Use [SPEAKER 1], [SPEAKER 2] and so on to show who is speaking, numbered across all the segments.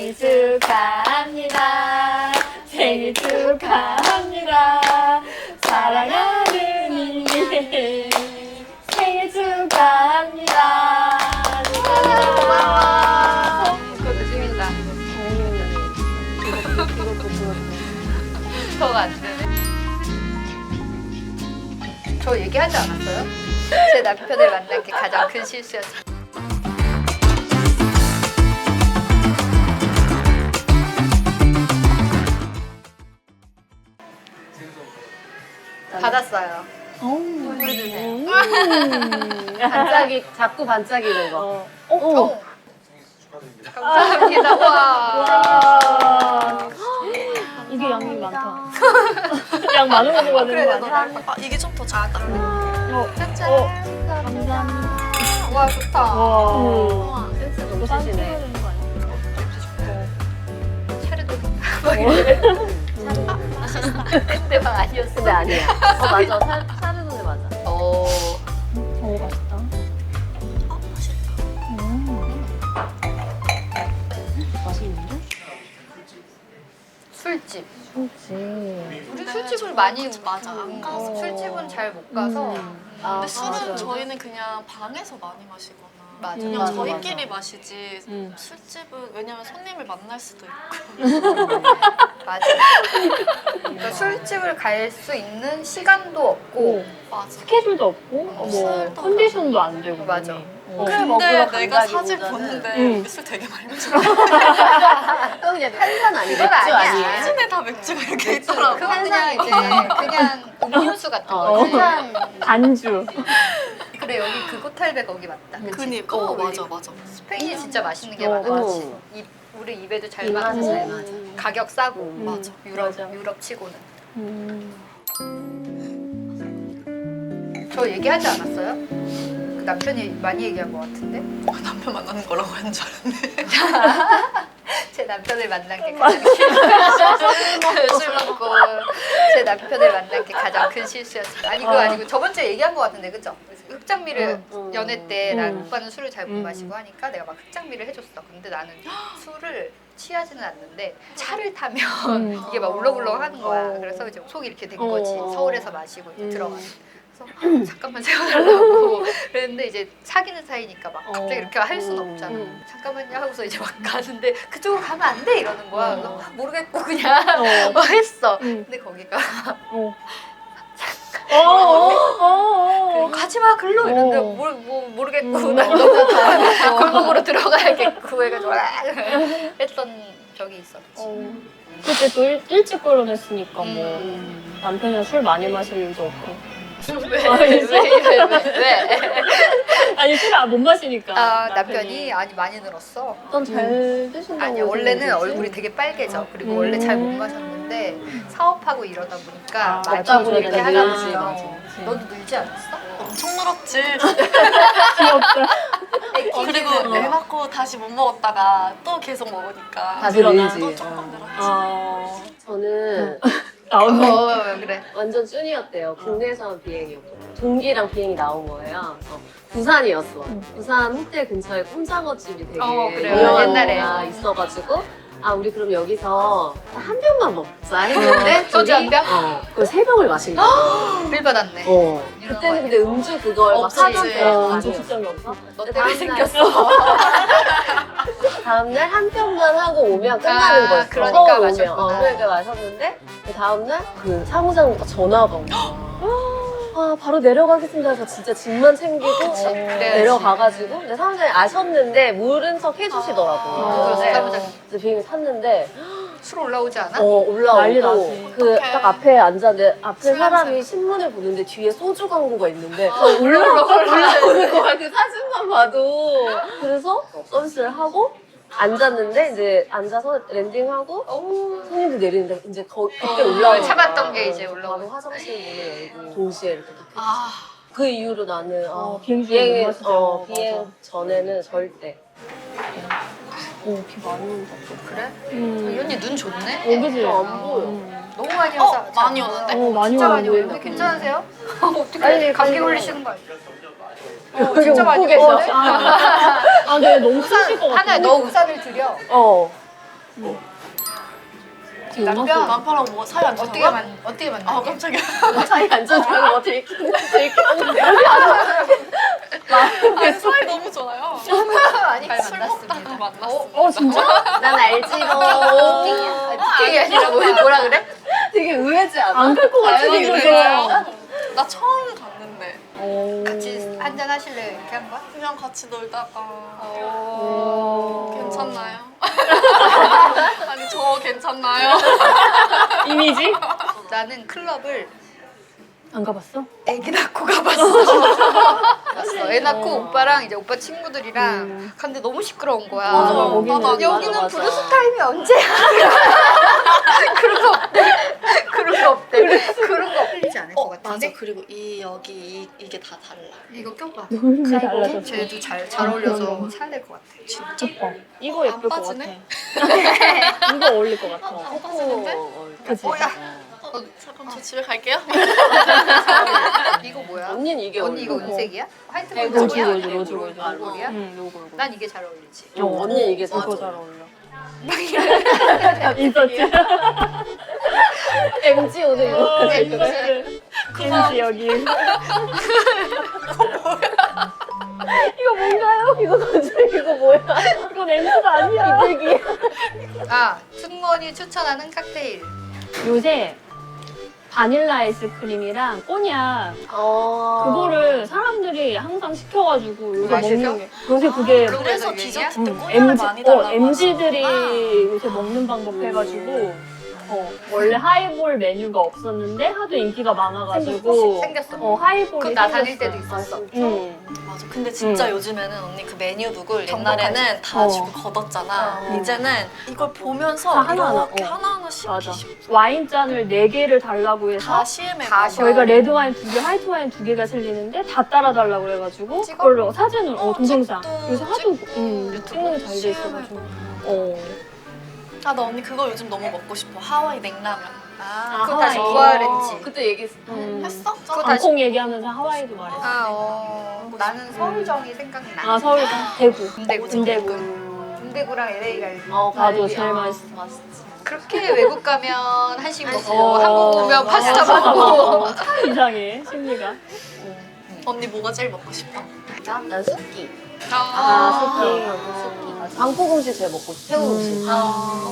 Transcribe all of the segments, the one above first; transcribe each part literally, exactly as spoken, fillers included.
[SPEAKER 1] 생일 축하합니다. 생일 축하합니다. 사랑하는 이미 생일 축하합니다.
[SPEAKER 2] 고마워. 그것도 재밌다. 더 안 되네. 저 얘기하지 않았어요? 제 남편을 만난 게 가장 큰 실수였어요. 받았어요. 보여주세요.
[SPEAKER 3] 반짝이 자꾸 반짝이는 거.
[SPEAKER 1] 어.
[SPEAKER 2] 오. 감사합니다. 와.
[SPEAKER 1] 와. 이게 양이 많다. 양 많은 거 먹어야 되는 거 아니야?
[SPEAKER 4] 아, 이게 좀 더 작다.
[SPEAKER 1] 어.
[SPEAKER 2] 짠짠.
[SPEAKER 1] 어. 감사합니다.
[SPEAKER 2] 와 좋다.
[SPEAKER 1] 와.
[SPEAKER 3] 센스 너무
[SPEAKER 1] 이거 싼
[SPEAKER 3] 쓰시네.
[SPEAKER 1] 되는 거 아니야?
[SPEAKER 2] 차례도 막 이래. 근데 막 아니었어.
[SPEAKER 3] 근데 아니야. 어 맞아. 사, 사르도네 맞아.
[SPEAKER 2] 오.
[SPEAKER 1] 오 맛있다.
[SPEAKER 4] 아, 맛있다.
[SPEAKER 1] 음. 맛있는데?
[SPEAKER 2] 술집.
[SPEAKER 1] 그렇지.
[SPEAKER 2] 우리
[SPEAKER 4] 네,
[SPEAKER 2] 술집을
[SPEAKER 4] 저랑
[SPEAKER 2] 많이
[SPEAKER 4] 같이 맞아, 안
[SPEAKER 2] 음,
[SPEAKER 4] 가서.
[SPEAKER 2] 술집은 잘 못 가서
[SPEAKER 1] 음.
[SPEAKER 3] 아,
[SPEAKER 4] 근데 술은
[SPEAKER 3] 맞아.
[SPEAKER 4] 저희는 그냥 방에서 많이 마시거나
[SPEAKER 2] 맞아.
[SPEAKER 4] 그냥
[SPEAKER 1] 맞아,
[SPEAKER 4] 저희끼리 마시지
[SPEAKER 1] 음.
[SPEAKER 4] 술집은 왜냐면 손님을 만날 수도 있고
[SPEAKER 2] 맞아. 그러니까 술집을 갈 수 있는 시간도 없고
[SPEAKER 4] 맞아.
[SPEAKER 1] 스케줄도 없고 뭐
[SPEAKER 4] 술도
[SPEAKER 1] 컨디션도 안 되고
[SPEAKER 2] 맞아.
[SPEAKER 1] 어.
[SPEAKER 3] 술
[SPEAKER 4] 근데
[SPEAKER 3] 먹으러
[SPEAKER 4] 내가
[SPEAKER 3] 간다기보다는-
[SPEAKER 4] 사진 보는데
[SPEAKER 1] 응.
[SPEAKER 4] 여기 술 되게 많이 마셔.
[SPEAKER 3] 그건 그냥 탄산 아니고
[SPEAKER 2] 그건
[SPEAKER 3] 맥주
[SPEAKER 2] 아니야.
[SPEAKER 3] 아니에요?
[SPEAKER 4] 사진에 다 맥주가 이렇게 있더라고.
[SPEAKER 2] 그건 그냥 이제 그냥 음료수 같은
[SPEAKER 3] 어,
[SPEAKER 2] 거지.
[SPEAKER 3] 탄산
[SPEAKER 1] 안주.
[SPEAKER 2] 그래 여기 그 호텔백 거기 맞다. 그치?
[SPEAKER 4] 그니까 어, 맞아 맞아.
[SPEAKER 2] 스페인이 진짜 맛있는 게
[SPEAKER 1] 어,
[SPEAKER 2] 많아가지고
[SPEAKER 3] 어.
[SPEAKER 2] 입- 우리 입에도 잘
[SPEAKER 3] 입맛에
[SPEAKER 2] 맞고
[SPEAKER 3] 잘 맞아.
[SPEAKER 2] 가격 싸고
[SPEAKER 3] 음,
[SPEAKER 4] 맞아.
[SPEAKER 2] 유럽
[SPEAKER 1] 맞아.
[SPEAKER 2] 유럽 치고는.
[SPEAKER 1] 음.
[SPEAKER 2] 저 얘기하지 않았어요? 그 남편이 많이 얘기한 것 같은데.
[SPEAKER 4] 남편 만나는 거라고 한 줄 알았네.
[SPEAKER 2] 제 남편을 만난 게 가장 큰 술 먹고 제 남편을 만난 게 가장 큰 실수였어요. 아니 그거
[SPEAKER 1] 아.
[SPEAKER 2] 아니고 저번 주에 얘기한 것 같은데 그죠? 흑장미를
[SPEAKER 3] 응, 응.
[SPEAKER 2] 연애 때 난
[SPEAKER 1] 응.
[SPEAKER 2] 오빠는 술을 잘 못
[SPEAKER 1] 응.
[SPEAKER 2] 마시고 하니까 내가 막 흑장미를 해줬어. 근데 나는 술을 취하지는 않는데 차를 타면
[SPEAKER 1] 음.
[SPEAKER 2] 이게 막 울렁울렁 하는 거야.
[SPEAKER 1] 어.
[SPEAKER 2] 그래서 이제 속이 이렇게 된
[SPEAKER 1] 어.
[SPEAKER 2] 거지. 서울에서 마시고 이제
[SPEAKER 1] 음.
[SPEAKER 2] 들어갔어. 그래서 잠깐만 세워달라고 그랬는데 이제 사귀는 사이니까 막 갑자기
[SPEAKER 1] 어.
[SPEAKER 2] 이렇게 할 수는
[SPEAKER 3] 음.
[SPEAKER 2] 없잖아.
[SPEAKER 1] 음.
[SPEAKER 2] 잠깐만요 하고서 이제 막 가는데 그쪽으로 가면 안 돼 이러는 거야.
[SPEAKER 1] 어.
[SPEAKER 2] 그래서 모르겠고 그냥
[SPEAKER 1] 어.
[SPEAKER 2] 뭐 했어.
[SPEAKER 1] 음.
[SPEAKER 2] 근데 거기가
[SPEAKER 1] 어. 어. 어. 어.
[SPEAKER 2] 가지 마 글로 이러는데
[SPEAKER 1] 어.
[SPEAKER 2] 뭘, 뭐 모르겠고
[SPEAKER 1] 음.
[SPEAKER 2] 난 너무 골목으로 들어가야겠고 해가지고 했던 적이 있었지.
[SPEAKER 1] 어. 그때 또 일, 일찍 결혼했으니까 뭐
[SPEAKER 2] 음.
[SPEAKER 1] 남편이랑 술 많이 마실 일도 없고.
[SPEAKER 2] 왜?
[SPEAKER 1] 아,
[SPEAKER 2] 왜?
[SPEAKER 1] 있어?
[SPEAKER 2] 왜? 왜? 왜?
[SPEAKER 1] 아니 술을 못 마시니까.
[SPEAKER 2] 아 남편이 아니 많이 늘었어.
[SPEAKER 1] 어떤 잘 드신다고.
[SPEAKER 2] 아니 원래는
[SPEAKER 1] 생각했지?
[SPEAKER 2] 얼굴이 되게 빨개져. 그리고
[SPEAKER 1] 음.
[SPEAKER 2] 원래 잘 못 마셨는데 사업하고 이러다 보니까
[SPEAKER 1] 아,
[SPEAKER 2] 많이
[SPEAKER 1] 맞다,
[SPEAKER 2] 이렇게
[SPEAKER 1] 그러네.
[SPEAKER 2] 하려고
[SPEAKER 1] 맞아,
[SPEAKER 2] 했어.
[SPEAKER 1] 맞아.
[SPEAKER 2] 너도 늘지 않았어?
[SPEAKER 4] 엄청 늘었지.
[SPEAKER 1] 귀엽다.
[SPEAKER 4] 어, 그리고 애 낳고 다시 못 먹었다가 또 계속 먹으니까
[SPEAKER 3] 다시
[SPEAKER 1] 늘어나.
[SPEAKER 3] 늘지.
[SPEAKER 4] 또 조금 늘었지.
[SPEAKER 1] 아.
[SPEAKER 3] 저는
[SPEAKER 1] 나온다.
[SPEAKER 2] 어 그래.
[SPEAKER 3] 완전 쭈니였대요. 국내에서만 비행이었고 동기랑 비행이 나온 거예요. 그래서 부산이었어. 부산 호텔 근처에 꼼장어 집이 되게
[SPEAKER 2] 어, 그래요.
[SPEAKER 3] 유명한
[SPEAKER 2] 옛날에.
[SPEAKER 3] 데가 있어가지고 아 우리 그럼 여기서 한 병만 먹자 했는데
[SPEAKER 2] 소주 한 병?
[SPEAKER 3] 어, 그걸 세 병을 마신 거야.
[SPEAKER 2] 빌 받았네.
[SPEAKER 3] 어.
[SPEAKER 2] 이런
[SPEAKER 3] 그때는
[SPEAKER 2] 거
[SPEAKER 3] 근데 음주 그걸 막
[SPEAKER 4] 없지.
[SPEAKER 3] 하던데
[SPEAKER 1] 어,
[SPEAKER 3] 아니,
[SPEAKER 1] 적극적이 없어?
[SPEAKER 2] 너
[SPEAKER 3] 다음날-
[SPEAKER 2] 때문에 생겼어.
[SPEAKER 3] 다음날 한 병만 하고 오면 끝나는
[SPEAKER 2] 아,
[SPEAKER 3] 거였어.
[SPEAKER 2] 그러니까
[SPEAKER 3] 서울 오면.
[SPEAKER 2] 마셨구나.
[SPEAKER 3] 어, 그러니까 마셨는데 그 다음날 그 사무장부터 전화가 온 거야. 아 바로 내려가겠습니다 해서 진짜 짐만 챙기고
[SPEAKER 2] 그래야지.
[SPEAKER 3] 내려가가지고 근데 사무장이 아셨는데 모른 척 해주시더라고요.
[SPEAKER 2] 아,
[SPEAKER 3] 근데
[SPEAKER 2] 사무장.
[SPEAKER 3] 그래서 비행기 탔는데
[SPEAKER 2] 술 올라오지 않아?
[SPEAKER 3] 어
[SPEAKER 1] 난리
[SPEAKER 3] 올라오고
[SPEAKER 1] 나지.
[SPEAKER 3] 그
[SPEAKER 4] 어떡해.
[SPEAKER 3] 딱 앞에 앉았는데 앞에
[SPEAKER 4] 술
[SPEAKER 3] 사람이
[SPEAKER 4] 냄새.
[SPEAKER 3] 신문을 보는데 뒤에 소주 광고가 있는데
[SPEAKER 2] 어, 올라오고
[SPEAKER 3] 올라오는 거야 그 사진만 봐도 그래서 서비스를 하고 앉았는데 이제 앉아서 랜딩하고 손님들 내리는데 이제 거, 그때 올라오는
[SPEAKER 2] 참았던
[SPEAKER 3] 거야.
[SPEAKER 2] 게 이제
[SPEAKER 3] 어,
[SPEAKER 2] 올라오고.
[SPEAKER 3] 바로 화장실 문을 열고 동시에 이렇게 딱
[SPEAKER 4] 아,
[SPEAKER 3] 그 이후로 나는 어,
[SPEAKER 1] 어, 비행기에 못
[SPEAKER 3] 비행,
[SPEAKER 1] 마시죠.
[SPEAKER 3] 어,
[SPEAKER 1] 맞아.
[SPEAKER 3] 비행 전에는 절대
[SPEAKER 1] 오, 비 많이 온다.
[SPEAKER 2] 그래?
[SPEAKER 1] 음.
[SPEAKER 2] 이 언니 눈 좋네?
[SPEAKER 1] 어, 그지?
[SPEAKER 3] 안 보여.
[SPEAKER 1] 음.
[SPEAKER 2] 너무 많이
[SPEAKER 4] 어,
[SPEAKER 2] 와서
[SPEAKER 4] 많이 오는데?
[SPEAKER 1] 어, 많이
[SPEAKER 2] 진짜 많이
[SPEAKER 1] 오는데.
[SPEAKER 2] 오는데 괜찮으세요? 어떻게
[SPEAKER 3] 빨리,
[SPEAKER 2] 감기
[SPEAKER 3] 빨리
[SPEAKER 2] 걸리시는 거 아니에요? 어,
[SPEAKER 3] 여기
[SPEAKER 2] 진짜 많이
[SPEAKER 3] 웃고
[SPEAKER 2] 오는데?
[SPEAKER 3] 계셔.
[SPEAKER 1] 아, 아, 근데 너무 쓰실 것 같아.
[SPEAKER 2] 하나에 너 우산을 드려.
[SPEAKER 3] 어
[SPEAKER 1] 지금 음악
[SPEAKER 2] 남편
[SPEAKER 4] 남편하고 뭐 사이 안
[SPEAKER 2] 어떻게
[SPEAKER 4] 좋다고요?
[SPEAKER 2] 만 어떻게 만나?
[SPEAKER 4] 아 깜짝이야.
[SPEAKER 3] 사이 안 좋다고 뭐 들키는 들키는
[SPEAKER 4] 아니 사이 너무 좋아요.
[SPEAKER 2] 아니
[SPEAKER 4] 술
[SPEAKER 2] 술
[SPEAKER 4] 먹다가
[SPEAKER 2] 만났습니다.
[SPEAKER 4] 만났어.
[SPEAKER 1] 어 진짜?
[SPEAKER 3] 난 알지 뭐.
[SPEAKER 2] 부팅이 아니라 뭐 뭐라 그래?
[SPEAKER 3] 되게 의외지 않아?
[SPEAKER 1] 안 클 것 같아
[SPEAKER 4] 아니,
[SPEAKER 1] 이거.
[SPEAKER 4] 그래요? 나 처음 갔는데
[SPEAKER 1] 오.
[SPEAKER 2] 같이 한잔 하실래요? 이렇게 한 거야?
[SPEAKER 4] 그냥 같이 놀다가
[SPEAKER 2] 오.
[SPEAKER 4] 괜찮나요? 아니 저 괜찮나요?
[SPEAKER 1] 이미지?
[SPEAKER 2] 나는 클럽을
[SPEAKER 1] 안 가봤어?
[SPEAKER 2] 애기 낳고 가봤어. 봤어. 애 낳고
[SPEAKER 1] 어.
[SPEAKER 2] 오빠랑 이제 오빠 친구들이랑
[SPEAKER 1] 음.
[SPEAKER 2] 갔는데 너무 시끄러운 거야.
[SPEAKER 4] 맞아.
[SPEAKER 1] 거기는
[SPEAKER 4] 나도 안
[SPEAKER 2] 여기는
[SPEAKER 3] 맞아, 맞아.
[SPEAKER 2] 브루스 타임이 언제야? 그런 거 없대. 그런 거 없대. 그런 거 없지 않을 것 같은데.
[SPEAKER 4] 맞아. 그리고 이 여기 이, 이게 다 달라.
[SPEAKER 2] 이거 껴봐.
[SPEAKER 1] 너무 달라졌어.
[SPEAKER 2] 쟤도 잘, 잘 어울려서 살 될 것 같아.
[SPEAKER 4] 진짜?
[SPEAKER 1] 예뻐. 이거 예쁠 것 같아.
[SPEAKER 4] 빠지네?
[SPEAKER 1] 이거 어울릴 것 같아.
[SPEAKER 4] 안 빠지는데?
[SPEAKER 1] 그치?
[SPEAKER 2] 어, 야.
[SPEAKER 4] 어, 잠깐 저 집에 갈게요.
[SPEAKER 2] 이거 뭐야?
[SPEAKER 3] 언니는 이게
[SPEAKER 2] 언니 이거
[SPEAKER 3] 어울려.
[SPEAKER 2] 은색이야? 화이트
[SPEAKER 3] 네,
[SPEAKER 1] 로즈
[SPEAKER 2] 골드야?
[SPEAKER 1] 로즈 로즈 로즈.
[SPEAKER 3] 아,
[SPEAKER 2] 골드야?
[SPEAKER 1] 응 요거 요거.
[SPEAKER 2] 난 이게 잘 어울리지.
[SPEAKER 3] 어, 언니 이게 더
[SPEAKER 1] 이거
[SPEAKER 3] 좋아.
[SPEAKER 1] 잘 어울려. 있었지?
[SPEAKER 3] 엠지 오늘 이거
[SPEAKER 2] 네,
[SPEAKER 1] 엠지 엠지 여기. 이거 뭔가요?
[SPEAKER 3] 이거 건줄 이거 뭐야?
[SPEAKER 1] 이건 엠지가 아니야.
[SPEAKER 3] 비둘기.
[SPEAKER 2] 아, 승무원이 추천하는 칵테일.
[SPEAKER 1] 요새 바닐라 아이스크림이랑 꼬냑
[SPEAKER 3] 어.
[SPEAKER 1] 그거를 사람들이 항상 시켜가지고 요새
[SPEAKER 2] 마시죠?
[SPEAKER 1] 먹는 게 요새 그게
[SPEAKER 2] 그럼
[SPEAKER 4] 그래서
[SPEAKER 2] 그래서
[SPEAKER 4] 디저트
[SPEAKER 2] 얘기야?
[SPEAKER 4] 때
[SPEAKER 1] 음,
[SPEAKER 4] 꼬냑을
[SPEAKER 1] MZ,
[SPEAKER 4] 많이
[SPEAKER 1] 어,
[SPEAKER 4] 달라고
[SPEAKER 1] 엠지들이
[SPEAKER 4] 하는구나.
[SPEAKER 1] 요새 먹는 방법 해가지고 어, 원래 하이볼 메뉴가 없었는데 하도 인기가 많아가지고
[SPEAKER 2] 생겼어.
[SPEAKER 1] 어, 하이볼이
[SPEAKER 2] 그럼 나 다닐
[SPEAKER 1] 생겼어.
[SPEAKER 2] 때도 있었어.
[SPEAKER 1] 응.
[SPEAKER 4] 맞아. 근데 진짜
[SPEAKER 1] 응.
[SPEAKER 4] 요즘에는 언니 그 메뉴북을
[SPEAKER 2] 정복하지.
[SPEAKER 4] 옛날에는 다
[SPEAKER 1] 어.
[SPEAKER 4] 주고 걷었잖아.
[SPEAKER 2] 어.
[SPEAKER 4] 이제는 이걸 보면서
[SPEAKER 1] 다 하나하나,
[SPEAKER 4] 이렇게
[SPEAKER 1] 어.
[SPEAKER 4] 하나하나씩
[SPEAKER 1] 맞아.
[SPEAKER 4] 이렇게
[SPEAKER 1] 와인잔을 네 개를 달라고 해서
[SPEAKER 4] 다 시음해.
[SPEAKER 2] 다
[SPEAKER 4] 먹어.
[SPEAKER 2] 시험.
[SPEAKER 1] 저희가 레드 와인 두 개, 화이트 와인 두 개가 실리는데 다 따라달라고 그래가지고
[SPEAKER 2] 찍어?
[SPEAKER 1] 그걸로 사진을 어,
[SPEAKER 4] 어,
[SPEAKER 1] 동영상
[SPEAKER 4] 찍도
[SPEAKER 1] 요새 하도
[SPEAKER 4] 찍고
[SPEAKER 1] 음,
[SPEAKER 4] 유튜브
[SPEAKER 1] 찍는 게 잘 돼
[SPEAKER 4] 시음해
[SPEAKER 1] 있어가지고
[SPEAKER 4] 보고.
[SPEAKER 1] 어.
[SPEAKER 4] 아, 나 언니 그거 요즘 너무 먹고 싶어. 하와이 냉라면.
[SPEAKER 2] 아,
[SPEAKER 1] 아,
[SPEAKER 2] 그거 다시
[SPEAKER 1] 하와이.
[SPEAKER 2] 부활했지.
[SPEAKER 3] 그때 얘기했어.
[SPEAKER 1] 음.
[SPEAKER 4] 했어?
[SPEAKER 2] 그거 다시-
[SPEAKER 1] 방콕 얘기하면서 하와이도 말했어.
[SPEAKER 2] 아, 어. 나는 서울정이 생각나.
[SPEAKER 1] 아 서울 대구
[SPEAKER 2] 군대구.
[SPEAKER 1] 군대구
[SPEAKER 2] 군대구랑 엘에이 갈비.
[SPEAKER 3] 어,
[SPEAKER 1] 나도
[SPEAKER 3] 갈비.
[SPEAKER 1] 제일
[SPEAKER 3] 아,
[SPEAKER 1] 맛있어.
[SPEAKER 3] 맛있지.
[SPEAKER 2] 그렇게 외국 가면 한식
[SPEAKER 3] 한식.
[SPEAKER 2] 먹고
[SPEAKER 1] 어,
[SPEAKER 2] 한국 오면
[SPEAKER 1] 맞아.
[SPEAKER 2] 파스타 먹고.
[SPEAKER 1] 참 이상해 심리가.
[SPEAKER 4] 언니 뭐가 제일 먹고 싶어?
[SPEAKER 3] 나? 난 습기.
[SPEAKER 2] 아,
[SPEAKER 1] 아,
[SPEAKER 3] 아, 습기. 방콕 음식 제일 먹고 싶어. 태국 음식.
[SPEAKER 1] 음.
[SPEAKER 4] 아,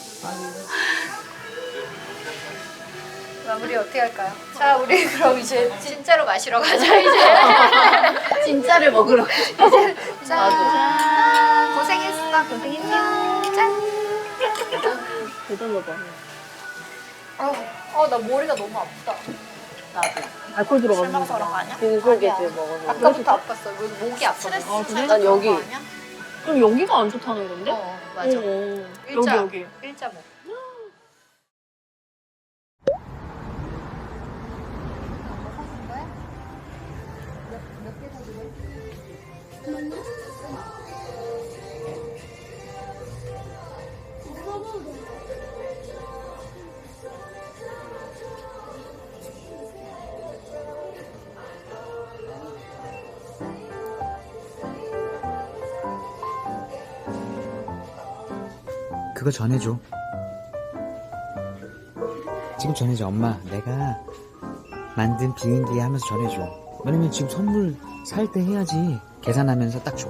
[SPEAKER 2] 마무리 어떻게 할까요? 자, 우리 그럼 이제 진짜로 마시러 가자 이제.
[SPEAKER 3] 진짜를 먹으러.
[SPEAKER 2] 짠. 고생했어. 고생했어. 짠.
[SPEAKER 1] 대단하다.
[SPEAKER 2] 어, 나 머리가 너무 아프다.
[SPEAKER 3] 나도.
[SPEAKER 1] 알코올
[SPEAKER 4] 술
[SPEAKER 1] 들어가는
[SPEAKER 4] 먹어서
[SPEAKER 1] 거.
[SPEAKER 4] 그런 거 아니야?
[SPEAKER 3] 빙글게 들 먹어서.
[SPEAKER 2] 아까부터 아팠어. 여기 목이 아파.
[SPEAKER 4] 스트레스
[SPEAKER 1] 아, 그래?
[SPEAKER 4] 살짝
[SPEAKER 3] 난 여기.
[SPEAKER 4] 그런 거 아니야?
[SPEAKER 1] 그럼 여기가 안 좋다는 건데?
[SPEAKER 2] 어, 맞아.
[SPEAKER 1] 어, 어. 여기
[SPEAKER 2] 일자.
[SPEAKER 1] 여기.
[SPEAKER 2] 일자목.
[SPEAKER 5] 그거 전해줘. 지금 전해줘. 엄마, 내가 만든 비행기 하면서 전해줘. 왜냐면 지금 선물 살 때 해야지. 계산하면서 딱 줘.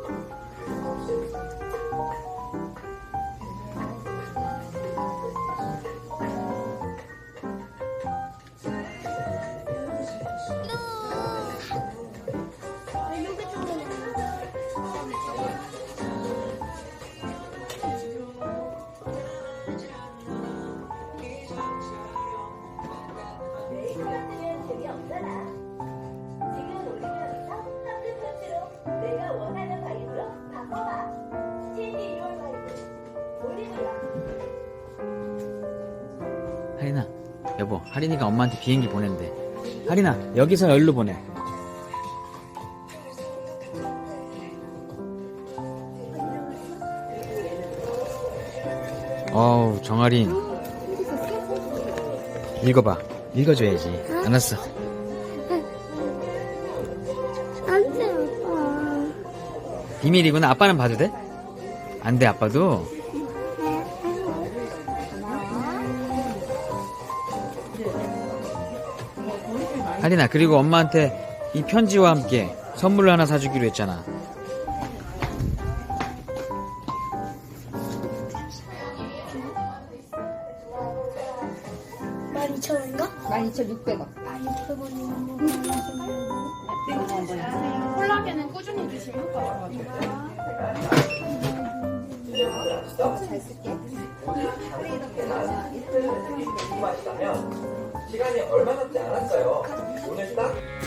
[SPEAKER 5] 하린아, 여보, 하린이가 엄마한테 비행기 보낸대. 하린아, 여기서 열로 보내. 어우, 정아린. 읽어봐. 읽어줘야지. 알았어.
[SPEAKER 6] 안 돼, 아빠.
[SPEAKER 5] 비밀이구나. 아빠는 봐도 돼? 안 돼, 아빠도? 하린아, 그리고 엄마한테 이 편지와 함께 선물을 하나 사주기로 했잖아.
[SPEAKER 6] 만 이천 원인가?
[SPEAKER 2] 만 이천육백 원.
[SPEAKER 6] 만 이천 원이면
[SPEAKER 4] 콜라겐은 꾸준히 드시면 더 좋아져요.
[SPEAKER 2] 잘 쓸게.
[SPEAKER 7] 시간이 얼마 남지 않았어요. 오늘 딱